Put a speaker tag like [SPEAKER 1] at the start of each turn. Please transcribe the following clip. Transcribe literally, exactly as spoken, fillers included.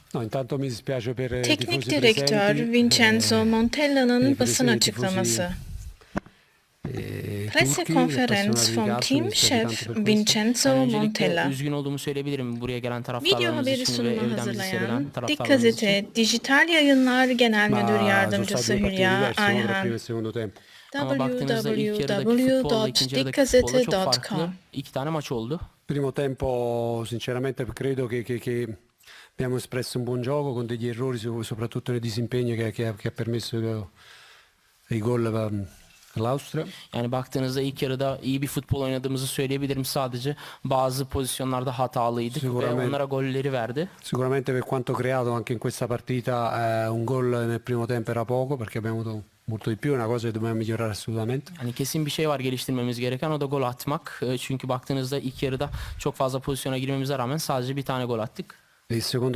[SPEAKER 1] No, intanto mi dispiace per i
[SPEAKER 2] Teknik
[SPEAKER 1] tifosi
[SPEAKER 2] direktör
[SPEAKER 1] presenti,
[SPEAKER 2] Vincenzo
[SPEAKER 1] eh, per
[SPEAKER 2] Montella'nın
[SPEAKER 1] i
[SPEAKER 2] basın
[SPEAKER 1] presi- i
[SPEAKER 2] açıklaması.
[SPEAKER 1] tifosi eh,
[SPEAKER 2] Presse
[SPEAKER 1] turchi,
[SPEAKER 2] Conference
[SPEAKER 1] appassionati di
[SPEAKER 2] from
[SPEAKER 1] calcio, mi
[SPEAKER 2] Team
[SPEAKER 1] dispiace tanto
[SPEAKER 2] Chef
[SPEAKER 1] per questo.
[SPEAKER 2] Vincenzo
[SPEAKER 3] Yani öncelikle
[SPEAKER 2] Montella.
[SPEAKER 3] üzgün olduğumu söyleyebilirim buraya gelen
[SPEAKER 2] Video
[SPEAKER 3] taraftarlarımız
[SPEAKER 2] haberi
[SPEAKER 3] için ve
[SPEAKER 2] sunumu
[SPEAKER 3] evden bizi seyreden
[SPEAKER 2] hazırlayan Dik
[SPEAKER 3] taraftarlarımız için.
[SPEAKER 2] Gazete Dijital Yayınlar Genel Müdür
[SPEAKER 1] Ma sono state
[SPEAKER 2] Yardımcısı
[SPEAKER 1] due partite
[SPEAKER 2] Hülya
[SPEAKER 1] diverse, no, tra primo
[SPEAKER 2] Ayhan.
[SPEAKER 1] e secondo tempo.
[SPEAKER 3] Ama baktığınızda ilk yarıdaki
[SPEAKER 2] w w w
[SPEAKER 3] futbolla
[SPEAKER 2] nokta
[SPEAKER 3] ikinci
[SPEAKER 2] dik
[SPEAKER 3] yarıdaki futbolla
[SPEAKER 2] gazete
[SPEAKER 3] çok
[SPEAKER 2] nokta
[SPEAKER 3] farklı.
[SPEAKER 2] com
[SPEAKER 3] İki tane maç oldu.
[SPEAKER 1] Primo tempo, sinceramente, credo che, che- che abbiamo espresso un buon gioco con degli errori, so- soprattutto nel disimpegno che, che ha, che ha permesso eh, i gol per l'Austria.
[SPEAKER 3] Yani baktığınızda ilk yarıda iyi bir futbol oynadığımızı söyleyebilirim sadece. Bazı pozisyonlarda hatalıydık ve
[SPEAKER 1] Sicuramente.
[SPEAKER 3] onlara golleri verdi.
[SPEAKER 1] Sicuramente per quanto creato anche in questa partita eh, un gol nel primo tempo era poco perché abbiamo avuto molto di più, è una cosa che dobbiamo migliorare assolutamente.
[SPEAKER 3] Hani kesin bir şey var geliştirmemiz gereken, o da gol atmak. E, Çünkü baktığınızda ilk yarıda çok fazla pozisyona girmemize rağmen sadece bir tane gol attık.
[SPEAKER 1] Il secondo